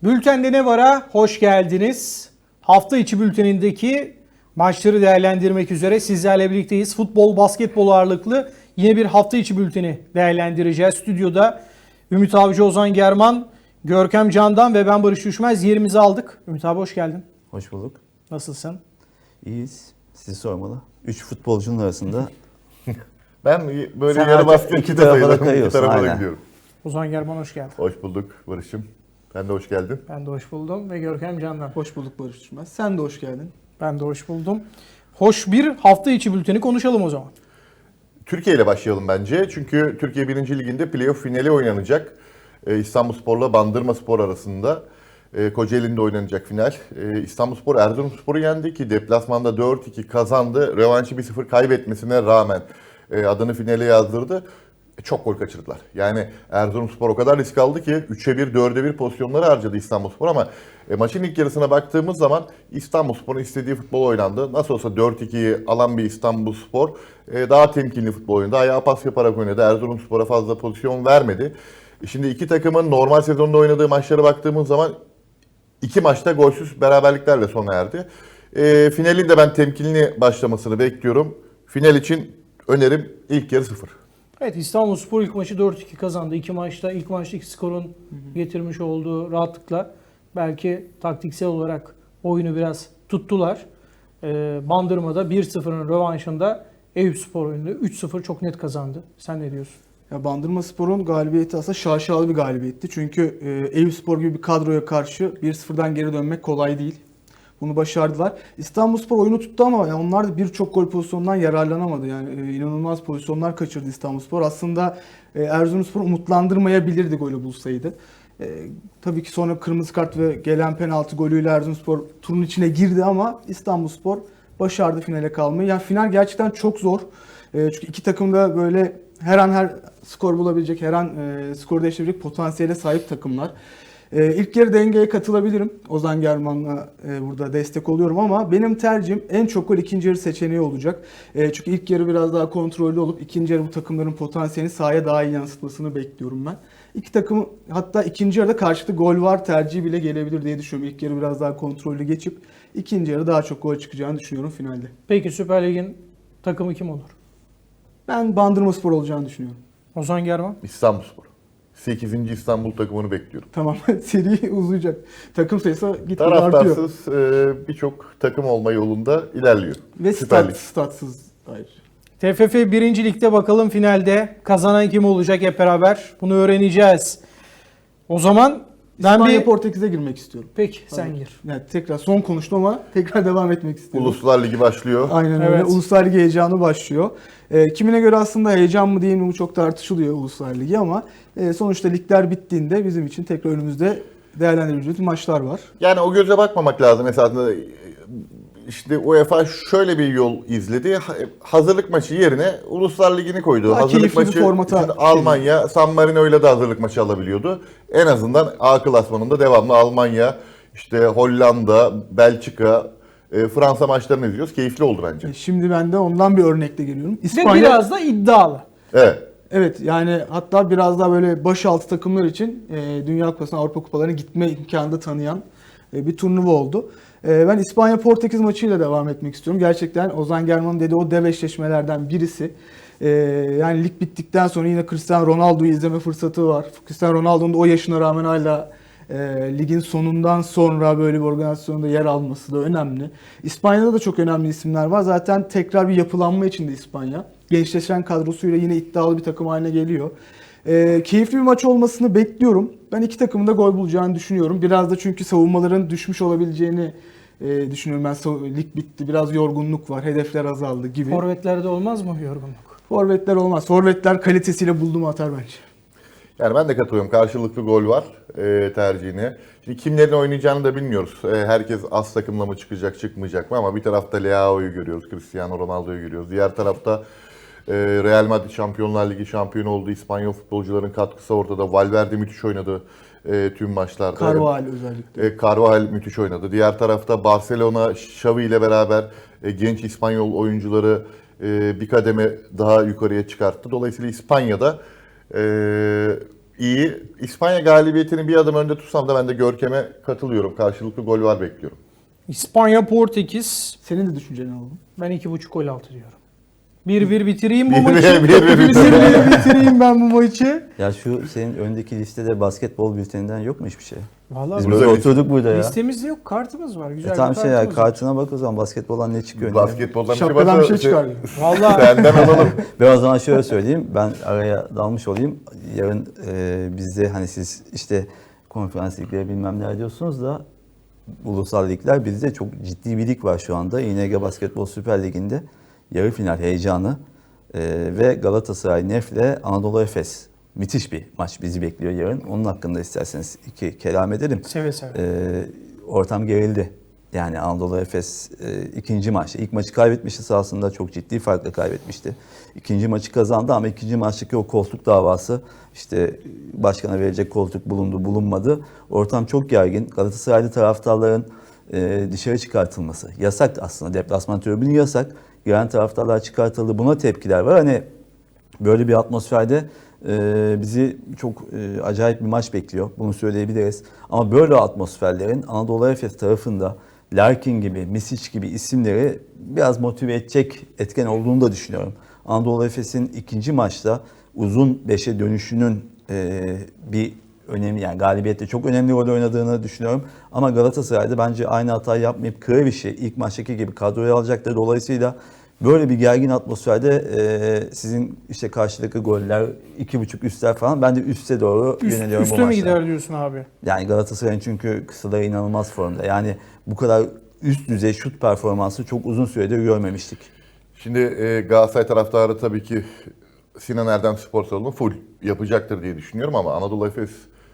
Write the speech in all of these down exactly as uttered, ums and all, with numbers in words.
Bültende ne var'a hoş geldiniz. Hafta içi bültenindeki maçları değerlendirmek üzere sizlerle birlikteyiz. Futbol, basketbol ağırlıklı yine bir hafta içi bülteni değerlendireceğiz. Stüdyoda Ümit Avcı, Ozan German, Görkem Candan ve ben Barış Düşmez yerimizi aldık. Ümit abi hoş geldin. Hoş bulduk. Nasılsın? İyiyiz. Sizi sormalı. Üç futbolcunun arasında Ben böyle Sen yarı baskın iki iki tarafa da sayılırım. İki kayıyorsun, tarafa da aynen. gidiyorum. Ozan German hoş geldin. Hoş bulduk Barış'ım. Sen de hoş geldin. Ben de hoş buldum ve Görkem Candan. Hoş bulduk Barış Düşmez. Sen de hoş geldin. Ben de hoş buldum. Hoş bir hafta içi bülteni konuşalım o zaman. Türkiye ile başlayalım bence. Çünkü Türkiye birinci Ligi'nde playoff finali oynanacak. Ee, İstanbulspor'la Bandırmaspor arasında. Ee, Kocaeli'nde oynanacak final. Ee, İstanbulspor Erzurumspor'u yendi ki deplasmanda dört iki kazandı. Rövanşı bir sıfır kaybetmesine rağmen e, adını finale yazdırdı. E, çok gol kaçırdılar. Yani Erzurumspor o kadar risk aldı ki üçe bir, dörde bir pozisyonları harcadı İstanbulspor ama e, maçın ilk yarısına baktığımız zaman İstanbulspor'un istediği futbol oynandı. Nasıl olsa dört ikiyi alan bir İstanbulspor e, daha temkinli futbol oynadı. Ayağa pas yaparak oynadı. Erzurumspor'a fazla pozisyon vermedi. E, şimdi iki takımın normal sezonda oynadığı maçlara baktığımız zaman iki maçta golsüz beraberliklerle sona erdi. E, finalin de ben temkinli başlamasını bekliyorum. Final için önerim ilk yarı sıfır. Evet, İstanbulspor ilk maçı dört iki kazandı. İki maçta ilk maçtaki skorun getirmiş olduğu rahatlıkla belki taktiksel olarak oyunu biraz tuttular. Ee, Bandırma'da bir sıfırın rövanşında Eyüpspor oyunu üç sıfır çok net kazandı. Sen ne diyorsun? Ya Bandırmaspor'un galibiyeti aslında şaşalı bir galibiyetti. Çünkü e, Eyüpspor gibi bir kadroya karşı bir sıfırdan geri dönmek kolay değil. Bunu başardılar. İstanbulspor oyunu tuttu ama yani onlar da birçok gol pozisyonundan yararlanamadı. Yani e, inanılmaz pozisyonlar kaçırdı İstanbulspor. Aslında e, Erzurumspor umutlandırmayabilirdi golü bulsaydı. E, tabii ki sonra kırmızı kart ve gelen penaltı golüyle Erzurumspor turun içine girdi ama İstanbulspor başardı finale kalmayı. Yani final gerçekten çok zor. E, çünkü iki takım da böyle her an her skor bulabilecek, her an e, skor değiştirebilecek potansiyele sahip takımlar. E, ilk yarı dengeye katılabilirim. Ozan German'la e, burada destek oluyorum ama benim tercihim en çok gol ikinci yarı seçeneği olacak. E, çünkü ilk yarı biraz daha kontrollü olup ikinci yarı bu takımların potansiyelini sahaya daha iyi yansıtmasını bekliyorum ben. İki takım hatta ikinci yarıda karşılıklı gol var tercihi bile gelebilir diye düşünüyorum. İlk yarı biraz daha kontrollü geçip ikinci yarı daha çok gol çıkacağını düşünüyorum finalde. Peki Süper Lig'in takımı kim olur? Ben Bandırmaspor olacağını düşünüyorum. Ozan German. İstanbulspor. sekizinci İstanbul takımını bekliyorum. Tamam, seri uzayacak. Takım sayısı gitgide artıyor. Taraftarsız e, birçok takım olma yolunda ilerliyor. Ve Süper stat, Lig. statsız ayrıca. T F F birinci Lig'de bakalım finalde kazanan kim olacak hep beraber bunu öğreneceğiz. O zaman ben İspanya bir... Portekiz'e girmek istiyorum. Peki sen Tamam. gir. Yani tekrar son konuştum ama tekrar devam etmek istiyorum. Uluslar Ligi başlıyor. Aynen öyle. Evet. Uluslar Ligi heyecanı başlıyor. E, kimine göre aslında heyecan mı değil mi bu çok tartışılıyor Uluslar Ligi ama e, sonuçta ligler bittiğinde bizim için tekrar önümüzde değerlendirebileceğimiz maçlar var. Yani o göze bakmamak lazım esasında. İşte UEFA şöyle bir yol izledi. Hazırlık maçı yerine Uluslar Ligi'ni koydu. Daha hazırlık keyifli bir maçı formata için Almanya, San Marino'yla da hazırlık maçı alabiliyordu. En azından A klasmanında devamlı Almanya, işte Hollanda, Belçika, e, Fransa maçlarını izliyoruz. Keyifli oldu bence. E, şimdi ben de ondan bir örnekle geliyorum. Ve İspanya, biraz da iddialı. Evet. evet yani hatta biraz daha böyle başaltı takımlar için e, Dünya Kupası'na, Avrupa Kupalarına gitme imkanı da tanıyan e, bir turnuva oldu. E, ben İspanya-Portekiz maçıyla devam etmek istiyorum. Gerçekten Ozan German'ın dediği o dev eşleşmelerden birisi. E, yani lig bittikten sonra yine Cristiano Ronaldo'yu izleme fırsatı var. Cristiano Ronaldo'nun da o yaşına rağmen hala e, ligin sonundan sonra böyle bir organizasyonda yer alması da önemli. İspanya'da da çok önemli isimler var. Zaten tekrar bir yapılanma içinde İspanya. Gençleşen kadrosuyla yine iddialı bir takım haline geliyor. E, keyifli bir maç olmasını bekliyorum. Ben iki takımın da gol bulacağını düşünüyorum. Biraz da çünkü savunmaların düşmüş olabileceğini e, düşünüyorum. Ben lig bitti, biraz yorgunluk var, hedefler azaldı gibi. Forvetlerde olmaz mı yorgunluk? Forvetler olmaz. Forvetler kalitesiyle buldu mu atar bence. Yani ben de katılıyorum. Karşılıklı gol var e, tercihine. Şimdi kimlerin oynayacağını da bilmiyoruz. E, herkes az takımla mı çıkacak, çıkmayacak mı? Ama bir tarafta Leao'yu görüyoruz, Cristiano Ronaldo'yu görüyoruz. Diğer tarafta e, Real Madrid Şampiyonlar Ligi şampiyonu oldu. İspanyol futbolcuların katkısı ortada. Valverde müthiş oynadı e, tüm maçlarda. Carvajal özellikle. E, Carvajal müthiş oynadı. Diğer tarafta Barcelona, Xavi ile beraber e, genç İspanyol oyuncuları e, bir kademe daha yukarıya çıkarttı. Dolayısıyla İspanya'da e, iyi. İspanya galibiyetini bir adım önde tutsam da ben de Görkem'e katılıyorum. Karşılıklı gol var bekliyorum. İspanya, Portekiz. Senin de düşünceni alalım. Ben iki buçuk gol altı diyorum. bir bir bitireyim bu Bir- maçı. bir- bir- bir- bir bir bitireyim ben bu maçı. Ya şu senin öndeki listede basketbol bülteninden yok mu hiçbir şey? Vallahi Biz bu- böyle Güzel oturduk burada ya. listemizde yok. Kartımız var. Güzel E bir tamam şey ya kartımız var. kartına bak o zaman basketboldan ne çıkıyor? ne? Basketboldan bir şey Şapkadan varsa bir şey se- çıkar. Vallahi senden alalım. Ben o zaman şöyle söyleyeyim. Ben araya dalmış olayım. Yarın e, bizde hani siz işte konferans ligleri bilmem ne diyorsunuz da ulusal ligler bizde çok ciddi bir lig var şu anda. İ N G Basketbol Süper Ligi'nde yarı final heyecanı e, ve Galatasaray Nef'le Anadolu Efes. Müthiş bir maç bizi bekliyor yarın. Onun hakkında isterseniz iki kelam edelim. seve seve. E, ortam gerildi. Yani Anadolu Efes e, ikinci maçta. İlk maçı kaybetmişti sahasında. Çok ciddi farkla kaybetmişti. İkinci maçı kazandı ama ikinci maçtaki o koltuk davası işte başkana verecek koltuk bulundu bulunmadı. Ortam çok gergin. Galatasaraylı taraftarların e, dışarı çıkartılması. Yasak aslında. Deplasman tribünü yasak. Giren taraftarlar çıkartıldı. Buna tepkiler var. Hani böyle bir atmosferde e, bizi çok e, acayip bir maç bekliyor. Bunu söyleyebiliriz. Ama böyle atmosferlerin Anadolu Efes tarafında Larkin gibi, Misic gibi isimleri biraz motive edecek etken olduğunu da düşünüyorum. Anadolu Efes'in ikinci maçta uzun beşe dönüşünün e, bir önemli, yani galibiyette çok önemli rol oynadığını düşünüyorum. Ama Galatasaray'da bence aynı hatayı yapmayıp Kreviş'i ilk maçtaki gibi kadroya alacaktır. Dolayısıyla böyle bir gergin atmosferde e, sizin işte karşılıklı goller, iki buçuk üstler falan, ben de üste doğru Üst, yöneliyorum bu üste mi maçta. gider diyorsun abi? Yani Galatasaray'ın çünkü kısaları inanılmaz formda. Yani bu kadar üst düzey şut performansı çok uzun süredir görmemiştik. Şimdi e, Galatasaray taraftarı tabii ki Sinan Erdem spor salonu full yapacaktır diye düşünüyorum ama Anadolu Efes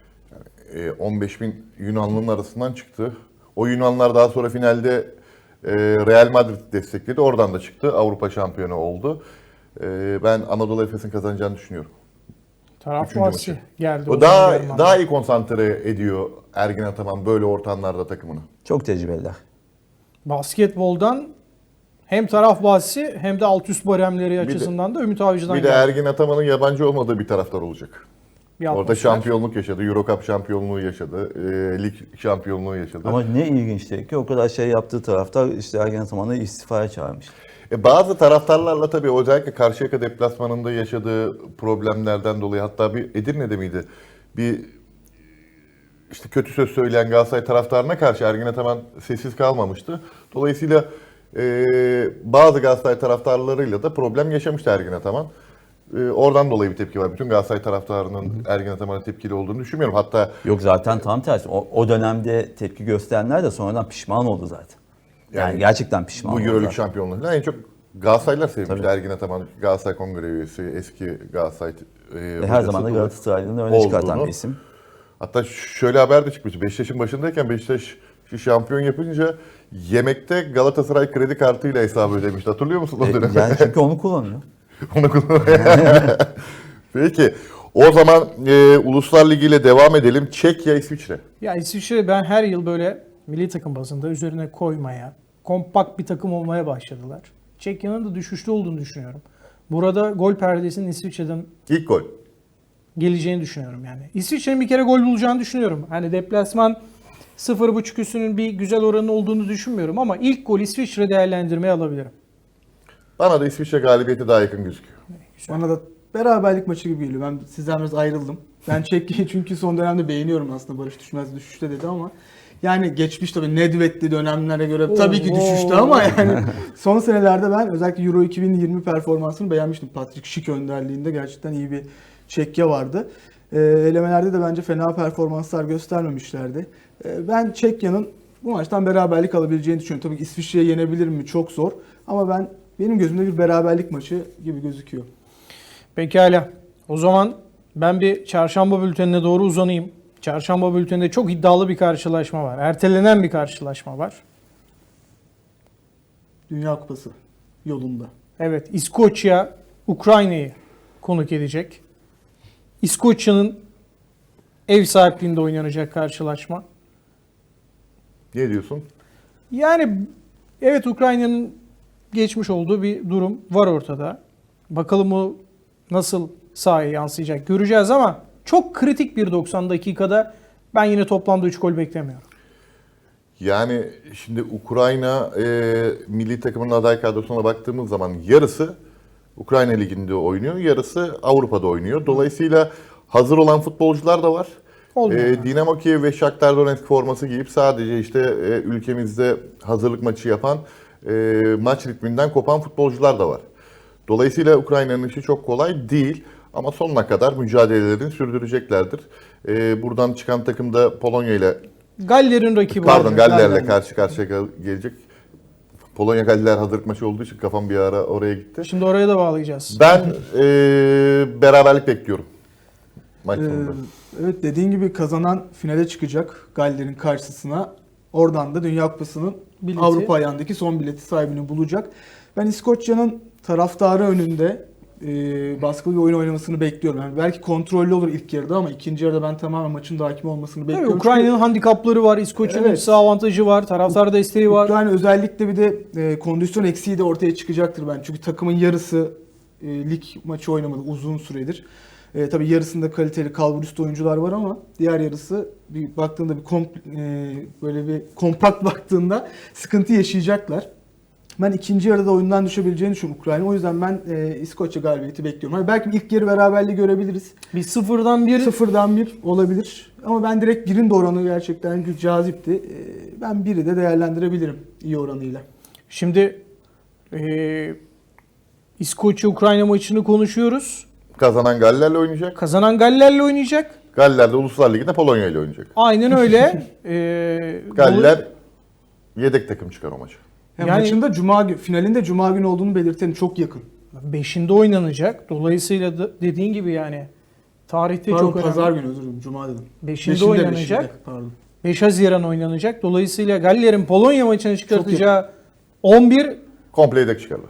yani, e, on beş bin Yunanlı'nın arasından çıktı. O Yunanlar daha sonra finalde e, Real Madrid destekledi. Oradan da çıktı. Avrupa şampiyonu oldu. E, ben Anadolu Efes'in kazanacağını düşünüyorum. Taraf Üçüncü bahsi maçı. geldi. O zaman daha Germán. daha iyi konsantre ediyor Ergin Ataman böyle ortamlarda takımını. Çok tecrübeliler. Basketboldan hem taraf bahsi hem de alt üst baremleri açısından da Ümit Avcı'dan Bir de geldi. Ergin Ataman'ın yabancı olmadığı bir taraftar olacak. Bir Orada atmosfer. şampiyonluk yaşadı, Euro Cup şampiyonluğu yaşadı, e, lig şampiyonluğu yaşadı. Ama ne ilginçti ki o kadar şey yaptığı taraftar işte Ergen Ataman'ı istifaya çağırmış. E, bazı taraftarlarla tabii özellikle Karşıyaka deplasmanında yaşadığı problemlerden dolayı, hatta bir Edirne'de miydi? Bir işte kötü söz söyleyen Galatasaray taraftarına karşı Ergin Ataman sessiz kalmamıştı. Dolayısıyla e, bazı Galatasaray taraftarlarıyla da problem yaşamıştı Ergin Ataman. E, oradan dolayı bir tepki var. Bütün Galatasaray taraftarının Ergin Ataman'a tepkili olduğunu düşünmüyorum. Hatta Yok zaten tam tersi. O, o dönemde tepki gösterenler de sonradan pişman oldu zaten. Yani, Yani gerçekten pişman bu oldu. Euroleague zaten. şampiyonluğu en çok Galatasaraylılar sevmişti. Tabii. Ergin Ataman, Galatasaray Kongre üyesi, eski Galatasaray e, Ve her hocası zaman da olarak. Galatasaray'ın öne çıkartan olduğunu. bir isim. Hatta şöyle haber de çıkmıştı. Beşiktaş'ın başındayken Beşiktaş şampiyon yapınca yemekte Galatasaray kredi kartıyla hesabı ödemişti. Hatırlıyor musun o E, dönem? yani çünkü onu kullanıyor. Onu kullan- Peki. O zaman e, Uluslar Ligi ile devam edelim. Çekya, İsviçre. Ya İsviçre ben her yıl böyle milli takım bazında üzerine koymaya, kompakt bir takım olmaya başladılar. Çekya'nın da düşüşte olduğunu düşünüyorum. Burada gol perdesinin İsviçre'den İlk gol. geleceğini düşünüyorum yani. İsviçre'nin bir kere gol bulacağını düşünüyorum. Hani deplasman sıfır buçuk üstünün bir güzel oranı olduğunu düşünmüyorum ama ilk gol İsviçre değerlendirmeye alabilirim. Bana da İsviçre galibiyeti daha yakın gözüküyor. Bana da beraberlik maçı gibi geliyor. Ben sizden biraz ayrıldım. Ben Çekya'yı çünkü son dönemde beğeniyorum aslında. Barış Düşmez düşüşte dedi ama yani geçmiş tabii Nedved'li dönemlere göre tabii ki Oo. düşüştü ama yani son senelerde ben özellikle Euro iki bin yirmi performansını beğenmiştim. Patrick Schick önderliğinde gerçekten iyi bir Çekya vardı. E, elemelerde de bence fena performanslar göstermemişlerdi. E, ben Çekya'nın bu maçtan beraberlik alabileceğini düşünüyorum. Tabii ki İsviçre'yi yenebilir mi? Çok zor. Ama ben benim gözümde bir beraberlik maçı gibi gözüküyor. Pekala. O zaman ben bir çarşamba bültenine doğru uzanayım. Çarşamba bülteninde çok iddialı bir karşılaşma var. Ertelenen bir karşılaşma var. Dünya Kupası yolunda. Evet, İskoçya Ukrayna'yı konuk edecek. İskoçya'nın ev sahipliğinde oynanacak karşılaşma. Ne diyorsun? Yani evet, Ukrayna'nın geçmiş olduğu bir durum var ortada. Bakalım o nasıl sahaya yansıyacak göreceğiz ama çok kritik bir doksan dakikada ben yine toplamda üç gol beklemiyorum. Yani şimdi Ukrayna e, milli takımının aday kadrosuna baktığımız zaman yarısı Ukrayna Ligi'nde oynuyor, yarısı Avrupa'da oynuyor. Dolayısıyla hazır olan futbolcular da var. Olmuyor. E, Dinamo Kiev ve Shakhtar Donetsk forması giyip sadece işte e, ülkemizde hazırlık maçı yapan, e, maç ritminden kopan futbolcular da var. Dolayısıyla Ukrayna'nın işi çok kolay değil ama sonuna kadar mücadelelerini sürdüreceklerdir. E, buradan çıkan takım da Polonya ile Galler'in rakibi. Pardon var. Galler'le Galler. karşı karşıya gel- gelecek. Polonya Galler hazırlık maçı olduğu için kafam bir ara oraya gitti. Şimdi oraya da bağlayacağız. Ben e, beraberlik bekliyorum maç Ee, sonunda. evet, dediğin gibi kazanan finale çıkacak Galler'in karşısına. Oradan da Dünya Kupası'nın Bileti. Avrupa ayağındaki son bileti sahibini bulacak. Ben İskoçya'nın taraftarı önünde e, baskılı bir oyun oynamasını bekliyorum. Yani belki kontrollü olur ilk yarıda ama ikinci yarıda ben tamamen maçın da hakim olmasını Tabii bekliyorum. Ukrayna'nın handikapları var, İskoçya'nın Evet. sağ avantajı var, taraftar desteği var. Ukrayna özellikle bir de e, kondisyon eksiği de ortaya çıkacaktır ben. Çünkü takımın yarısı e, lig maçı oynamadı uzun süredir. E, tabii yarısında kaliteli kalburüstü oyuncular var ama diğer yarısı bir baktığında bir komp, e, böyle bir kompakt baktığında sıkıntı yaşayacaklar. Ben ikinci yarıda oyundan düşebileceğini düşünüyorum Ukrayna. O yüzden ben e, İskoçya galibiyeti bekliyorum. Hani belki ilk yarı beraberliği görebiliriz. Bir sıfırdan bir Sıfırdan bir olabilir. Ama ben direkt birin de oranı gerçekten cazipti. E, ben biri de değerlendirebilirim iyi oranıyla. Şimdi e, İskoçya-Ukrayna maçını konuşuyoruz. Kazanan Galler'le oynayacak. Kazanan Galler'le oynayacak. Galler de Uluslar Ligi'nde Polonya ile oynayacak. Aynen öyle. e, Galler yedek takım çıkar o maçı. Yani, Yani- maçın da cuma günü, finalinde cuma günü olduğunu belirtelim, çok yakın. beşinde oynanacak. Dolayısıyla da dediğin gibi yani tarihte Pardon, çok önemli. pazar günü, özür dilerim, cuma dedim. beşinde Beşinde, oynanacak. beşinde, pardon. beş Haziran oynanacak. Dolayısıyla Galler'in Polonya maçını çıkartacağı on bir Komple yedek çıkarlar.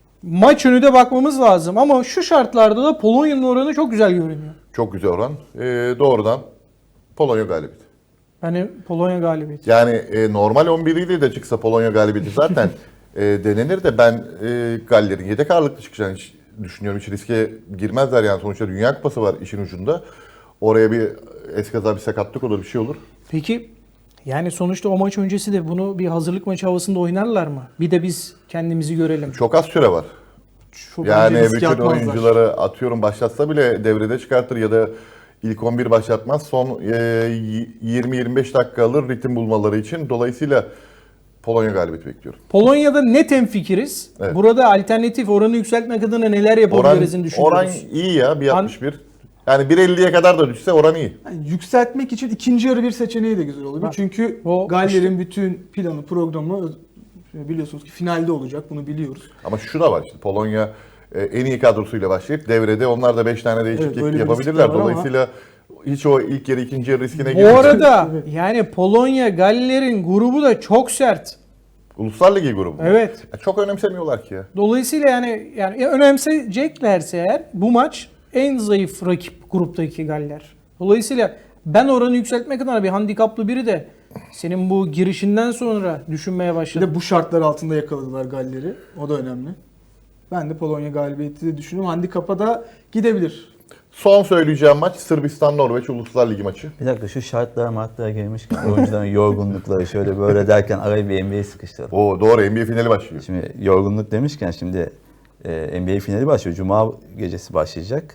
maç önü de bakmamız lazım. Ama şu şartlarda da Polonya'nın oranı çok güzel görünüyor. Çok güzel oran. E, doğrudan Polonya galibiyeti. Yani Polonya galibiyeti. Yani e, normal on bir ile de çıksa Polonya galibiyeti zaten e, denenir de ben e, Galler'in yedek ağırlıklı çıkacağını hiç düşünüyorum. Hiç riske girmezler yani, sonuçta Dünya Kupası var işin ucunda. Oraya bir eskaza bir sakatlık olur, bir şey olur. Peki yani sonuçta o maç öncesi de bunu bir hazırlık maçı havasında oynarlar mı? Bir de biz kendimizi görelim. Çok az süre var. Çok Yani bence riske bütün atmazlar. oyuncuları atıyorum başlatsa bile devrede çıkartır ya da ilk on bir başlatmaz. Son e, yirmi yirmi beş dakika alır ritim bulmaları için. Dolayısıyla Polonya galibiyeti bekliyorum. Polonya'da net hemfikiriz. Evet. Burada alternatif oranı yükseltmek adına neler Oran, yapabiliriz'in düşünüyoruz. oran iyi ya, bir altmış bir. Yani bir elliye kadar da düşse oran iyi. Yani yükseltmek için ikinci yarı bir seçeneği de güzel olabilir. Bak, Çünkü o Galler'in bütün planı, programı öz- biliyorsunuz ki finalde olacak. Bunu biliyoruz. Ama şu da var işte, Polonya e, en iyi kadrosuyla başlayıp devrede onlar da beş tane değişiklik Evet, böyle bir yapabilirler. risk de var ama- Dolayısıyla hiç o ilk yarı ikinci yarı riskine Bu girmeyecek. arada Evet. yani Polonya Galler'in grubu da çok sert. Uluslar Ligi grubu. Evet. Ya çok önemsemiyorlar ki ya. Dolayısıyla yani yani önemseyeceklerse eğer bu maç en zayıf rakip gruptaki Galler. Dolayısıyla ben oranı yükseltmek adına bir handikaplı biri de senin bu girişinden sonra düşünmeye Bir başladım. de bu şartlar altında yakaladılar Galler'i. O da önemli. Ben de Polonya galibiyeti de düşünüyorum. Handikapa da gidebilir. Son söyleyeceğim maç Sırbistan-Norveç Uluslar Ligi maçı. Bir dakika, şu şartlara martlara girmişken oyuncuların yorgunlukları şöyle böyle derken araya bir N B A sıkıştıralım. Oo doğru, N B A finali başlıyor. Şimdi yorgunluk demişken şimdi e, N B A finali başlıyor. Cuma gecesi başlayacak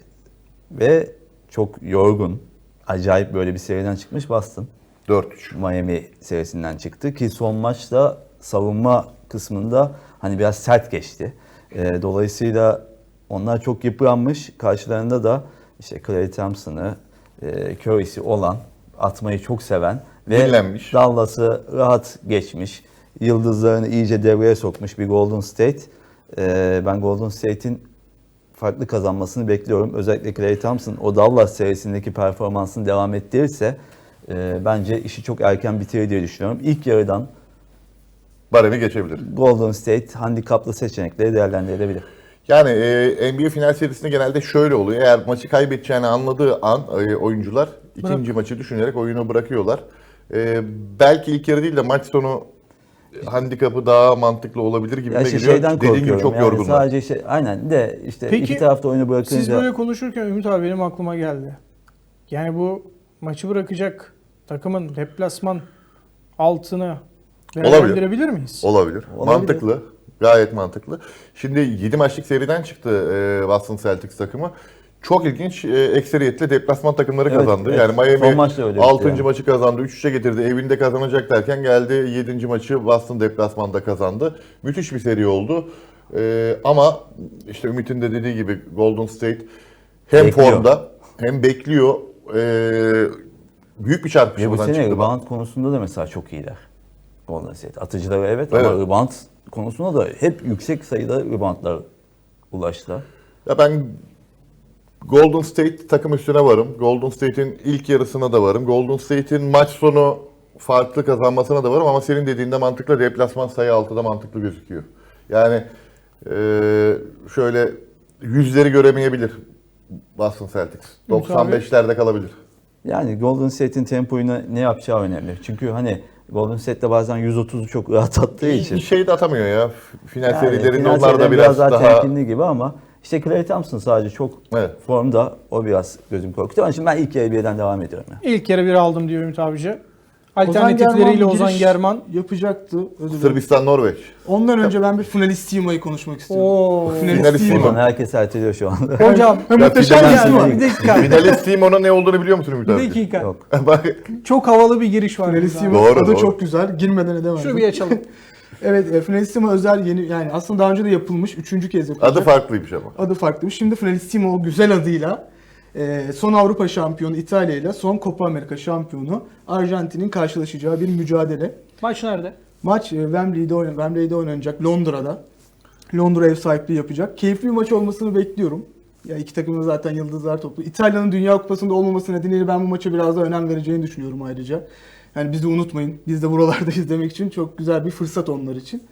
ve çok yorgun, acayip böyle bir seriden çıkmış Boston. dört üç. Miami serisinden çıktı ki son maçta savunma kısmında hani biraz sert geçti. E, dolayısıyla onlar çok yıpranmış. Karşılarında da işte Klay Thompson'ı, e, Curry'si olan, atmayı çok seven ve Dinlenmiş. Dallas'ı rahat geçmiş. Yıldızlarını iyice devreye sokmuş bir Golden State. E, ben Golden State'in farklı kazanmasını bekliyorum. Özellikle Klay Thompson o Dallas serisindeki performansını devam ettirirse e, bence işi çok erken bitirir diye düşünüyorum. İlk yarıdan Baremi geçebilir. Golden State handikaplı seçenekleri değerlendirilebilir. Yani e, N B A final serisinde genelde şöyle oluyor. Eğer maçı kaybedeceğini anladığı an e, oyuncular ikinci maçı düşünerek oyunu bırakıyorlar. E, belki ilk yarı değil de maç sonu handikapı daha mantıklı olabilir gibi Ya de işte geliyor. şeyden Dediğin korkuyorum. gibi çok yani yorgunlar. sadece şey, aynen de işte Peki, iki tarafta oyunu bırakınca Siz böyle konuşurken Ümit abi benim aklıma geldi. Yani bu maçı bırakacak takımın deplasman altını değerlendirebilir miyiz? Olabilir. Olabilir. Mantıklı. Gayet mantıklı. Şimdi yedi maçlık seriden çıktı e, Boston Celtics takımı. Çok ilginç. E, ekseriyetle deplasman takımları Evet, kazandı. evet. Yani Miami Son maçta öyle bitti altıncı yani. maçı kazandı. üç üçe getirdi. Evinde kazanacak derken geldi yedinci maçı Boston deplasmanda kazandı. Müthiş bir seri oldu. E, ama işte Ümit'in de dediği gibi Golden State hem Bekliyor. formda hem bekliyor. E, büyük bir Ve bu çarpışmadan sene çıktı. rebound konusunda da mesela çok iyiler. Golden State. Atıcıları evet, Evet. ama rebound konusunda da hep yüksek sayıda reboundlar ulaştılar. Ya ben Golden State takım üstüne varım. Golden State'in ilk yarısına da varım. Golden State'in maç sonu farklı kazanmasına da varım ama senin dediğinde mantıklı, deplasman sayı altıda mantıklı gözüküyor. Yani eee, şöyle yüzleri göremeyebilir Boston Celtics. doksan beşlerde kalabilir. Yani Golden State'in tempoyu ne ne yapacağı önemli. Çünkü hani Golden State'de bazen yüz otuzu çok rahat attığı için. Bir şey de atamıyor ya. Final Yani serilerinde final onlar da serileri biraz daha daha... temkinli gibi ama işte Klay Thompson sadece çok Evet. formda, o biraz gözüm korkutuyor. Ama şimdi ben ilk yarı birden devam ediyorum. Ya. İlk yarı bir aldım diyor Ümit abici. Ozan Alternatifleriyle German Ozan giriş German. yapacaktı. Özür dilerim. Sırbistan, Norveç. Ondan önce ben bir Finalissima'yı konuşmak istiyorum. Oo. Finalissimo. Buradan herkes erteliyor şu anda. Hocam Ya muhteşem Finalissimo. bir dakika. Finalissimo'nun ne olduğunu biliyor musun Ümit Bir abi? dakika. Yok. Bak, Çok havalı bir giriş var. burada. Finalissimo Doğru, adı doğru. çok güzel. Girmeden edemezdim. Şunu bir açalım. Evet, e, Finalissimo özel yeni, yani aslında daha önce de yapılmış. Üçüncü kez yapılacak. adı farklıymış ama. Adı farklıymış. Şimdi Finalissimo o güzel adıyla e, son Avrupa şampiyonu İtalya ile son Copa Amerika şampiyonu Arjantin'in karşılaşacağı bir mücadele. Maç nerede? Maç e, Wembley'de, oynan Wembley'de oynanacak, Londra'da. Londra ev sahipliği yapacak. Keyifli bir maç olmasını bekliyorum. Ya iki takımda zaten yıldızlar toplu. İtalya'nın Dünya Kupası'nda olmaması nedeniyle ben bu maça biraz daha önem vereceğini düşünüyorum ayrıca. Yani bizi unutmayın. Biz de buralarda izlemek için çok güzel bir fırsat onlar için.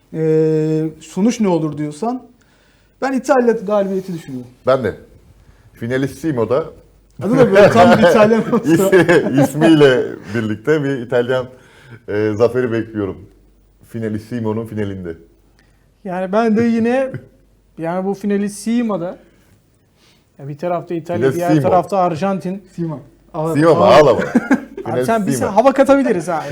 Ee, sonuç ne olur diyorsan ben İtalya galibiyeti düşünüyorum. Ben de. Finalissimo'da Adı da böyle tam bir İtalyan olsa. is- ismiyle birlikte bir İtalyan e, zaferi bekliyorum. Finalissimo'nun finalinde. Yani ben de yine yani bu Finalissima'da ya bir tarafta İtalya, diğer Finalissimo. tarafta Arjantin. Sima. Ağır- Simo mu? ağır- Ağlama. Abi sen bir Finalissimo. hava katabiliriz abi.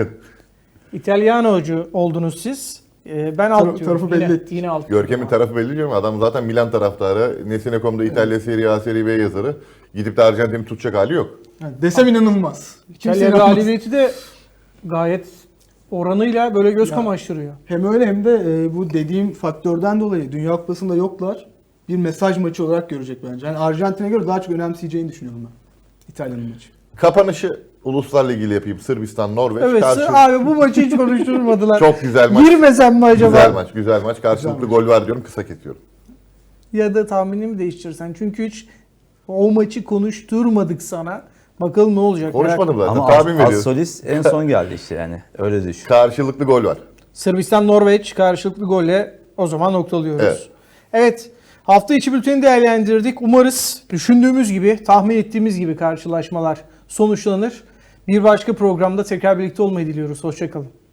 İtalyanocu oldunuz siz. Ee, ben alt Tarafı- diyorum. tarafı belli Yine, ettik. yine alt. Görkem'in tarafı belli diyorum. Adam zaten Milan taraftarı. Nesine nokta com'da İtalya Serie A, Serie B yazarı. Gidip de Arjantin'i tutacak hali yok. Yani desem inanılmaz. Kimse İtalya inanmaz. galibiyeti de gayet oranıyla böyle göz Ya. kamaştırıyor. Hem öyle hem de e, bu dediğim faktörden dolayı Dünya Kupası'nda yoklar. Bir mesaj maçı olarak görecek bence. Yani Arjantin'e göre daha çok önemseyeceğini düşünüyorum ben. İtalya'nın maçı. Kapanışı Uluslar Ligi ile yapayım. Sırbistan, Norveç. Evet Karşı- abi bu maçı hiç konuşturmadılar. Çok güzel maç. Girmesem mi acaba? Güzel maç, güzel maç. Karşılıklı Güzel gol var diyorum, kısa kesiyorum. Ya da tahminimi değiştirsen. Çünkü hiç o maçı konuşturmadık sana. Bakalım ne olacak. Konuşmadım zaten, Ama tahmin Az, veriyorum. Az Solis en son geldi işte yani. Öyle düşün. Karşılıklı gol var. Sırbistan Norveç karşılıklı golle o zaman noktalıyoruz. Evet. Evet. Hafta içi bülteni değerlendirdik. Umarız düşündüğümüz gibi, tahmin ettiğimiz gibi karşılaşmalar sonuçlanır. Bir başka programda tekrar birlikte olmayı diliyoruz. Hoşçakalın.